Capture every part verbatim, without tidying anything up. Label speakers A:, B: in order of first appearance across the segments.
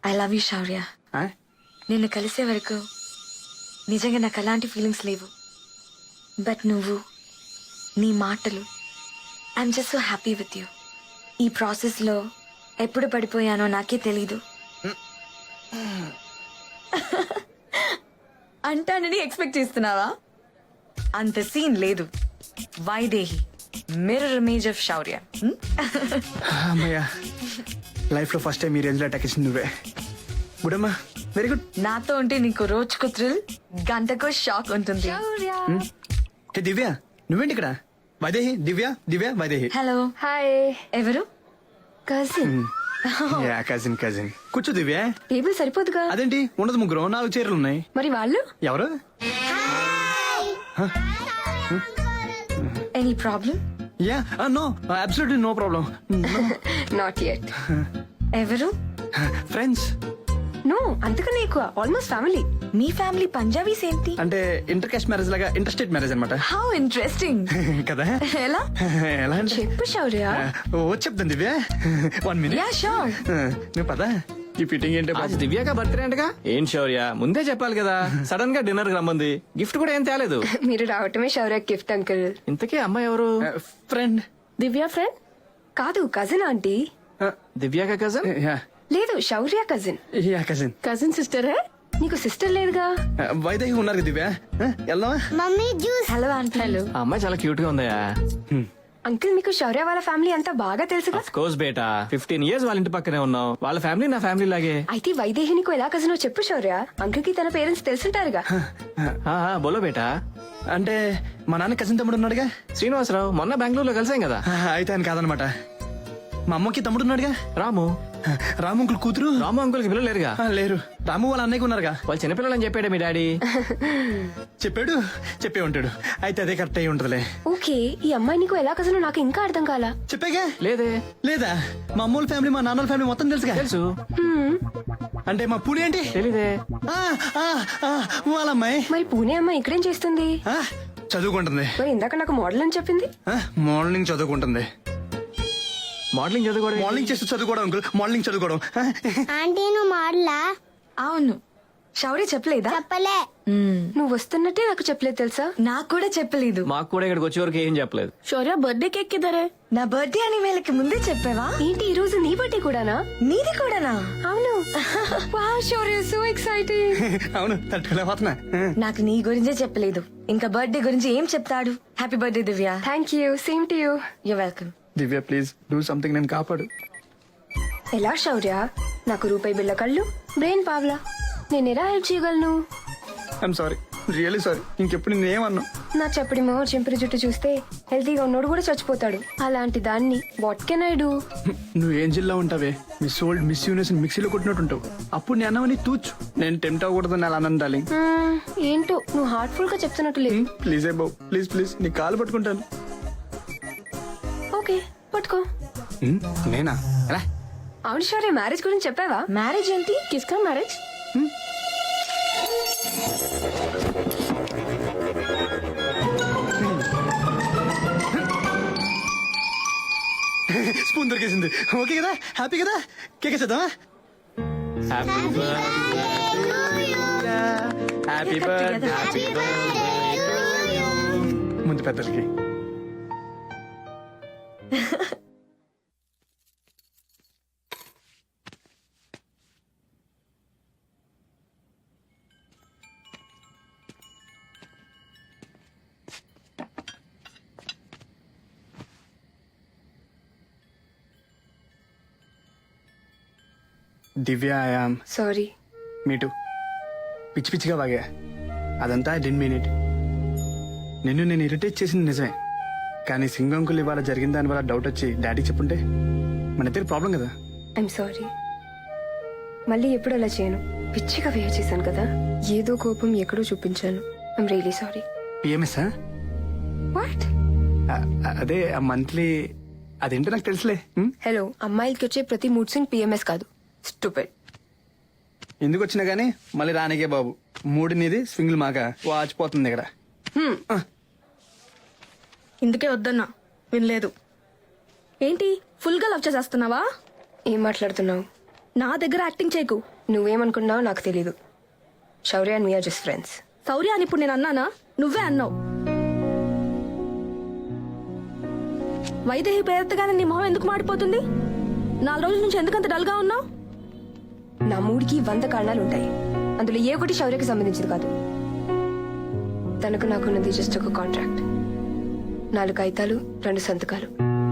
A: I love you శౌర్య.
B: ఆ?
A: నిన్ను కలిసే వరకు నిజంగా నాకు అలాంటి ఫీలింగ్స్ లేవు. బట్ నువ్వు, నీ మాటలు, I'm just so happy with you. ఈ ప్రాసెస్లో ఎప్పుడు పడిపోయానో నాకే తెలీదు. అంటానని ఎక్స్పెక్ట్ చేస్తున్నావా? అంత సీన్ లేదు. Vaidehi, mirror image of Shaurya.
B: అమ్మయ్యా, లైఫ్ లో ఫస్ట్ టైం ఈ రేంజ్ లో అటాక్ ఇచ్చింది నువ్వే. గుడ్ అమ్మా, వెరీ గుడ్.
A: నాతో ఉంటే నీకు రోజుకు థ్రిల్, గంటకు షాక్ ఉంటుంది.
B: ఏ దివ్య, నువ్వేంటి ఇక్కడ? వైదేహి, దివ్య, దివ్య, వైదేహి.
A: హలో.
C: హాయ్.
A: ఎవరు?
C: కజిన్.
B: Yeah, cousin cousin. కూర్చో దివ్య.
C: టేబుల్ సరిపోదుగా?
B: అదేంటి, ఉండదు, ముగ్గురు, నాలుగు చీరలు ఉన్నాయి.
C: మరి వాళ్ళు?
B: ఎవరు?
A: Any problem?
B: Yeah, no, absolutely no problem.
C: Not yet.
A: ఎవరు?
B: ఫ్రెండ్స్.
C: నో, అంతకన్నా ఎక్కువ, ఆల్మోస్ట్ ఫ్యామిలీ.
A: మీ ఫ్యామిలీ పంజాబీస్ ఏంటి?
B: అంటే ఇంటర్ కాస్ట్ మ్యారేజ్ లాగా, ఇంటర్ స్టేట్ మ్యారేజ్ అనమాట.
A: How interesting.
B: కదా?
A: ఎలా?
B: ఎలా అంటే
C: చెప్పు శౌర్య.
B: ఓ చెప్తాను Divya, one minute.
A: Yeah sure.
B: నువ్వు పదా, ఈ ఫిట్టింగ్ ఏంటో
D: आज దివ్యాక బర్త్డే అంటగా. ఏం శౌర్య, ముందే చెప్పాలి కదా. సడన్ గా డిన్నర్ కి రమ్మంది, గిఫ్ట్ కూడా ఏం తేలేదు.
C: మీరు రావటమే శౌర్య గిఫ్ట్ అంకుల్.
D: ఇంతకీ అమ్మాయి ఎవరు?
B: ఫ్రెండ్.
C: దివ్య ఫ్రెండ్ కాదు, కజిన్ ఆంటీ.
D: దివ్యాక కజన్?
B: యా
C: లేదు, Shaurya cousin.
B: Yeah cousin.
C: Cousin sister hey? నీకు సిస్టర్ లేదుగా?
B: వైదేహి ఉన్నారు కదా దివ్య, వెళ్దామా?
E: Mummy juice.
A: Hello aunty.
C: Hello
D: ఆ అమ్మాయి చాలా క్యూట్ గా ఉందయా.
C: అంకుల్, మీకు శౌర్య వాళ్ళ ఫ్యామిలీ అంతా బాగా తెలుసుగా?
D: ఆఫ్ కోర్స్ బేటా, ఫిఫ్టీన్ ఇయర్స్ వాళ్ళ ఇంటి పక్కనే ఉన్నాం. వాళ్ళ ఫ్యామిలీ నా ఫ్యామిలీ లాగే.
C: అయితే వైదేహి నీకు ఎలా కజినో చెప్పు శౌర్య. అంకుల్ కి తన పేరెంట్స్ తెలుసుంటారుగా.
D: ఆ, ఆ, బోలో బేటా.
B: అంటే మా నాన్న కజిన్ తమ్ముడు ఉన్నాడుగా.
D: శ్రీనివాసరావు, మొన్న బెంగళూరులో కలిసాం కదా.
B: అయితే ఆయన కాదనమాట. మా అమ్మకి తమ్ముడు ఉన్నాడుగా,
D: రాము.
B: రాము అంకుల్ కూతురు.
D: రాము అంకుల్ కి పిల్లలు లేరుగా.
B: ఆ, లేరు. రాము వాళ్ళ అన్నయ్యకి ఉన్నారుగా.
D: వాళ్ళు చిన్నపిల్లలని చెప్పాడే మీ డాడీ.
B: చెప్పాడు, చెప్పే ఉంటాడు. అయితే అదే కరెక్ట్ అయి ఉంటదిలే.
C: ఓకే, ఈ అమ్మాయి నీకు ఎలా కజినో నాకు ఇంకా అర్థం కాలా.
B: చెప్పాగా.
D: లేదే.
B: లేదా, మా అమ్మోళ్ళ ఫ్యామిలీ, మా నాన్నల ఫ్యామిలీ మొత్తం తెలుసుగా.
D: తెలుసు.
C: హ్మ్,
B: అంటే మా పూణే ఏంటి?
D: తెలీదే.
B: ఆ, ఆ, ఆ, వాళ్ళ అమ్మాయి
C: మరి పూణే అమ్మాయి ఇక్కడేం చేస్తుంది?
B: ఆ, చదువుకుంటుంది.
C: మరి ఇందాక నాకు మోడల్ అని చెప్పింది.
B: ఆ, మార్నింగ్ చదువుకుంటుంది.
D: మోడలింగ్ చదువుకోవడం.
B: మార్నింగ్ చేస్తూ చదువుకోవడం అంకుల్, మార్నింగ్ చదువుకోవడం. ఆ,
E: ఆంటీ నువ్వు మాడలా?
A: అవును. శౌర్య చెప్పలేదా?
E: చెప్పలే.
A: మ్మ్.
C: నువ్వు వస్తున్నట్టే నాకు చెప్పలేదు తెలుసా?
A: నాకు కూడా చెప్పలేదు.
D: మాకు కూడా ఇక్కడికి వచ్చే వరకు ఏం చెప్పలేదు.
C: శౌర్య బర్త్డే కేక్ కిదరే?
A: నా బర్త్డే అని వీళ్ళకి ముందే చెప్పావా?
C: ఏంటి ఈ రోజు నీ బర్త్డే కూడానా?
A: నీది కూడానా?
C: అవును. Wow Shaurya, so exciting.
B: అవును, తట్టుకోలేకపోతున్నా.
A: నాకు నీ గురించే చెప్పలేదు, ఇంకా బర్త్డే గురించి ఏం చెప్తాడు? Happy birthday Divya.
C: Thank you, same to you.
A: You welcome.
B: Divya please do something, నేను కాపాడు.
C: ఎలా శౌర్య? నాకు రూపాయి బిళ్ళ కళ్ళు, బ్రెయిన్ పావ్లా. నేను ఎలా హెల్ప్ చేయగలను?
B: I'm sorry, really sorry. ఇంకెప్పుడు నేనేమన్నా.
C: నా చెప్పడి మొహ చెంపిరి జుట్టు చూస్తే హెల్తీగా ఉన్నోడు కూడా చచ్చిపోతాడు. అలాంటి దాన్ని వాట్ కెన్ ఐ డూ?
B: నువ్వు ఏం జిల్లా ఉంటావే, మిస్ ఓల్డ్ మిస్ యూనివర్స్ మిక్సీలో కొట్టినట్టు ఉంటావు. అప్పుడు నేను అన్నవని తూచు. నేను టెంప్ట్ అవ్వకూడదని అలా అన్నాను డార్లింగ్.
C: మ్మ్, ఏంటో నువ్వు హార్ట్ఫుల్ గా చెప్తున్నట్టు లేదు.
B: ప్లీజ్ ఏ బాబు, ప్లీజ్ ప్లీజ్, నీ కాలు పట్టుకుంటాను.
C: ఓకే, పట్టుకో.
B: హ్మ్, నేనా? ఎలా?
C: అవును శౌర్య, మ్యారేజ్ గురించి చెప్పావా?
A: మ్యారేజ్ ఏంటి?
C: కిస్కా మ్యారేజ్?
B: స్పూన్ దొరికేసింది. ఓకే కదా, హ్యాపీ కదా? కేక్ చేద్దామా? హ్యాపీ బర్త్డే ముందు పెద్దలకి. దివ్య, ఐయామ్
C: సారీ.
B: మీటు పిచ్చి పిచ్చిగా బాగా, అదంతా ఐ డెంట్ మీన్ ఇట్. నిన్ను నేను ఇరిటేట్ చేసింది నిజమే, కానీ సింగంకులు ఇవాళ జరిగిన దాని వల్ల డౌట్ వచ్చి డాడీకి చెప్పుంటే మన ఇద్దరు ప్రాబ్లం కదా.
C: I'm sorry. మళ్ళీ ఎప్పుడు అలా చేయను. పిచ్చిగా వేర్ చేశాను కదా, ఏదో కోపం ఎక్కడో చూపించాను. I'm really sorry.
B: PMS
C: what?
B: అదే ఆ మంత్లీ, అదేంటో నాకు తెలుసులే. హ్మ్?
C: హలో, అమ్మాయిలకి వచ్చే ప్రతి మూడ్ స్వింగ్ పిఎంఎస్ కాదు. స్టూపిడ్.
B: ఎందుకు వచ్చినా గానీ మళ్ళీ రానికే బాబు. మూడు నీది, స్వింగ్లు మాక వాచిపోతుంది ఇక్కడ.
F: ఇందుకే వద్దన్నా, వినలేదు. ఏంటి ఫుల్ గా లవ్ చేసేస్తున్నావా?
C: ఏం మాట్లాడుతున్నావు?
F: నా దగ్గర యాక్టింగ్ చేయకు.
C: నువ్వేమనుకున్నావో నాకు తెలీదు. Shaurya and me are just friends.
F: Shaurya అని ఇప్పుడు నేను అన్నానా? నువ్వే అన్నావు. వైదేహి పేరెత్తగానే నీ మొహం ఎందుకు మాడిపోతుంది? నాలుగు రోజుల నుంచి ఎందుకంత డల్గా ఉన్నావు?
C: నా మూడికి వంద కారణాలు ఉంటాయి. అందులో ఏ ఒకటి శౌర్యకి సంబంధించింది కాదు. తనకు నాకున్నది జస్ట్ ఒక కాంట్రాక్ట్. నాలుగు కాగితాలు, రెండు సంతకాలు.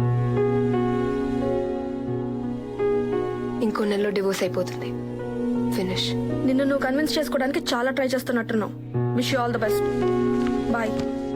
C: ఇంకో నెలలో డివోర్స్ అయిపోతుంది. ఫినిష్.
F: నిన్ను నువ్వు కన్విన్స్ చేసుకోవడానికి చాలా ట్రై చేస్తున్నట్టున్నావు. Wish you all the best. Bye.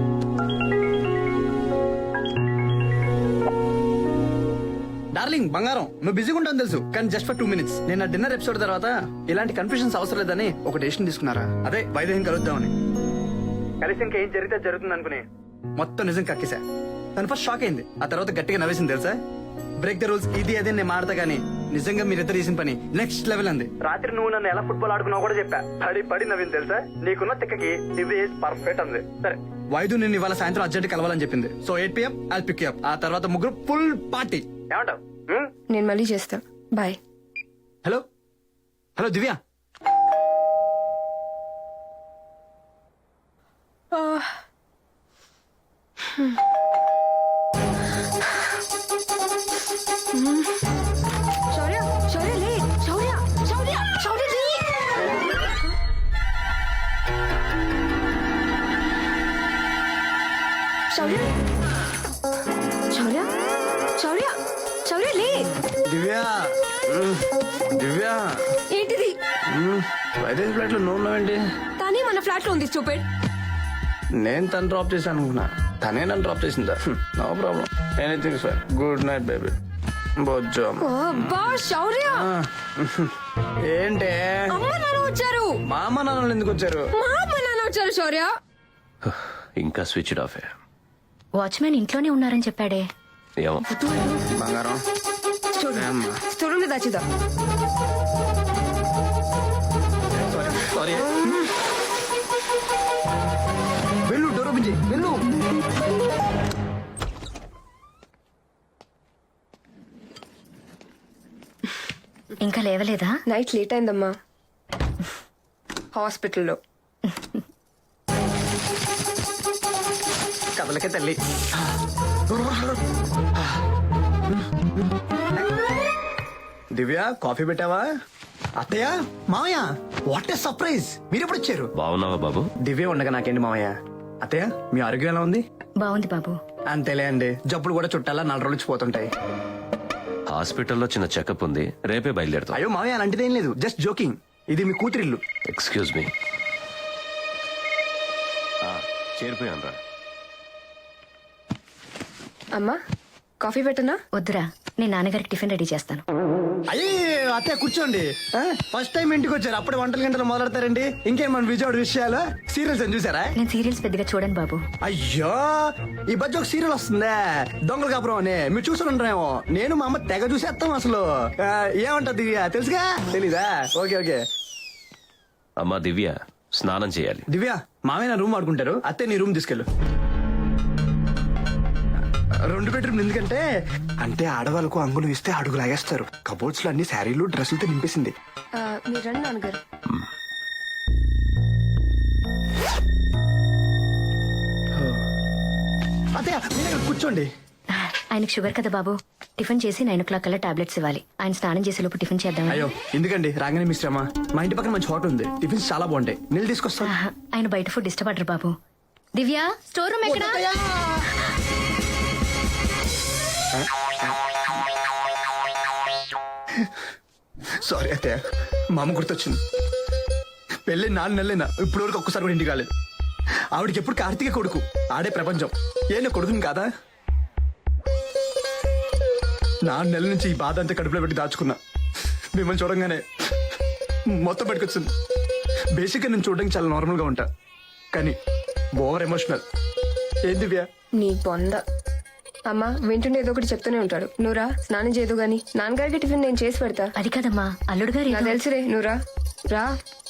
B: Darling బంగారం, నువ్వు బిజీగా ఉంటావు తెలుసు, కానీ జస్ట్ ఫర్ టూ మినిట్స్. నేను ఆ డిన్నర్ ఎపిసోడ్ తర్వాత ఇలాంటి కన్ఫ్యూషన్స్ అవసరం లేదని ఒక డెసిషన్ తీసుకున్నారా? అదే వైదేహిని కలుద్దామని. కలిసి ఇంకా ఏం జరిగితే జరుగుతుంది అనుకుని మొత్తం నిజం కక్కేసా. తను ఫస్ట్ షాక్ అయింది, ఆ తర్వాత గట్టిగా నవ్వేసింది తెలుసా. బ్రేక్ ద రూల్స్ ఇది అదే నేను మాడతా గానీ నిజంగా మీరిద్దరు చేసిన పని నెక్స్ట్ లెవెల్ అంది. రాత్రి నువ్వు నన్ను ఎలా ఫుట్బాల్ ఆడుకున్నావు కూడా చెప్పా. పడి పడి నవ్వింది తెలుసా. నీకున్న తిక్కకి ఇది పర్ఫెక్ట్ అంది. సరే వైద్యు నిన్ను ఇవాళ సాయంత్రం అర్జెంట్ కలవాలని చెప్పింది. So eight PM I'll pick up. ఆ తర్వాత ముగ్గురు ఫుల్ పార్టీ. ఏమంటావు?
C: నేను మళ్ళీ చేస్తా. Bye.
B: Hello hello Divya.
C: Shaurya, Shaurya లే. శౌర్య, శౌర్య, శౌర్య లే. శౌర్య, శౌర్య, శౌర్య, శౌర్య లే.
B: దివ్య దివ్య
C: ఏంటిది?
B: వైదేహి ఫ్లాట్ లో నువ్వు ఉన్నావేంటి?
C: కానీ మన ఫ్లాట్ లో ఉంది. స్టూపిడ్.
B: నేను తను డ్రాప్ చేశాను అనుకున్నా, తనే నన్ను డ్రాప్ చేసిందా? No problem, anything sir. Good night baby. బొజ్జో.
C: అబ్బా శౌర్య.
B: ఏంటే
C: అమ్మ నాన్న వచ్చారు.
B: మా అమ్మ నాన్నలు ఎందుకు వచ్చారు?
C: మా అమ్మ నాన్న వచ్చారు శౌర్య.
G: ఇంకా స్విచ్ ఆఫ్.
H: వాచ్మెన్ ఇంట్లోనే ఉన్నారని చెప్పాడే.
G: ఏమో.
B: బంగారం
C: స్టోర్ రూమ్ లో దాచిదా.
B: సారీ. వెళ్ళు, డోర్ ఓపెన్ చేయి. వెళ్ళు.
H: ఇంకా లేవలేదా?
C: నైట్ లేట్ అయిందమ్మా. హాస్పిటల్లో.
B: కదలకే తల్లి. దివ్య కాఫీ పెట్టావా? అత్తయ్య, మామయ్య, వాట్ ఏ సర్ప్రైజ్. మీరు ఎప్పుడు వచ్చారు?
G: బాగున్నావా బాబు?
B: దివ్య ఉండగా నాకేంటి మామయ్య. అత్తయ్య మీ ఆరోగ్యం ఎలా ఉంది?
H: బాగుంది బాబు.
B: అంతేలే అండి, జబ్బులు కూడా చుట్టాలా నాలుగు రోజులు పోతుంటాయి.
G: హాస్పిటల్లో చిన్న చెకప్ ఉంది, రేపే బయలుదేరుతాం.
B: అయ్యో మామయ్య అలాంటిదేం లేదు, జస్ట్ జోకింగ్. ఇది మీ కూతురిల్లు.
G: Excuse me. చేరిపోయాను రా.
C: అమ్మా కాఫీ పెట్టనా?
H: వద్దురా, నేను నాన్నగారికి టిఫిన్ రెడీ చేస్తాను.
B: అయ్యే అత్తయ్య కూర్చోండి. ఫస్ట్ టైం ఇంటికి వచ్చారు, అప్పుడే వంటల గంటలు మొదలెడతారండి. ఇంకేం మన విజయవాడ విషయాలు సీరియల్స్ అని చూసారా?
H: నేను సీరియల్స్ పెద్దగా చూడను బాబు.
B: అయ్యో ఈ మధ్య ఒక సీరియల్ వస్తుందే, దొంగల కాపురం అని. మీరు చూసి ఉంటారేమో. నేను మా అమ్మ తెగ చూసేస్తాం అసలు. ఆ, ఏమంటది తెలుసుగా? తెలీదా? Okay okay.
G: అమ్మా దివ్య స్నానం చేయాలి.
B: దివ్య మామయ్య నా రూమ్ ఆడుకుంటారు, అత్తే నీ రూమ్ తీసుకెళ్ళు. రెండు బెడ్రూమ్ ఎందుకంటే అంటే ఆడవాళ్ళకు అంగులు ఇస్తే అడుగు లాగేస్తారు. కబోర్డ్స్ లో అన్ని శారీలు డ్రెస్సులతో నింపేసింది.
C: ఆ, మీరు రండి నాన్నగారు.
B: అత్తయ్య మీరు ఇక్కడ కూర్చోండి.
H: ఆయనకు షుగర్ కదా బాబు. టిఫిన్ చేసి నైన్ ఓ క్లాక్ కల్లా టాబ్లెట్స్ ఇవ్వాలి. ఆయన స్నానం చేసే లోపు టిఫిన్ చేద్దాం.
B: అయ్యో ఎందుకండి, రాగానే మీ శ్రమ. మా ఇంటి పక్కన మంచి హోటల్ ఉంది, టిఫిన్స్ చాలా బాగుంటాయి. నీళ్ళు తీసుకొస్తా.
H: ఆయన బయట ఫుడ్ ఇష్టపడరు బాబు. దివ్య స్టోర్ రూమ్ ఎక్కడ?
B: సారీ అత్తయ్య, మా అమ్మ గుర్తొచ్చింది. పెళ్ళి నాలుగు నెలలైనా ఇప్పుడు వరకు ఒక్కసారి కూడా ఇంటికి కాలేదు. ఆవిడకి ఎప్పుడు కార్తీక కొడుకు, ఆడే ప్రపంచం. ఏ నా కొడుకుని కాదా? నాలుగు నెలల నుంచి ఈ బాధ అంతా కడుపులో పెట్టి దాచుకున్నా. మిమ్మల్ని చూడంగానే మొత్తం బయటకొచ్చింది. బేసిక్గా నేను చూడడానికి చాలా నార్మల్ గా ఉంటా, కానీ ఓవర్ ఎమోషనల్. ఏం దివ్య?
C: నీ పొంద. అమ్మా వింటుండే ఏదో ఒకటి చెప్తూనే ఉంటాడు. నువ్వురా స్నానం చేయదు గాని నాన్నగారికి టిఫిన్ నేను చేసి పెడతా.
H: అది కాదమ్మా, అల్లుడు గారు
C: నాకు తెలుసురే, నువ్వురా రా.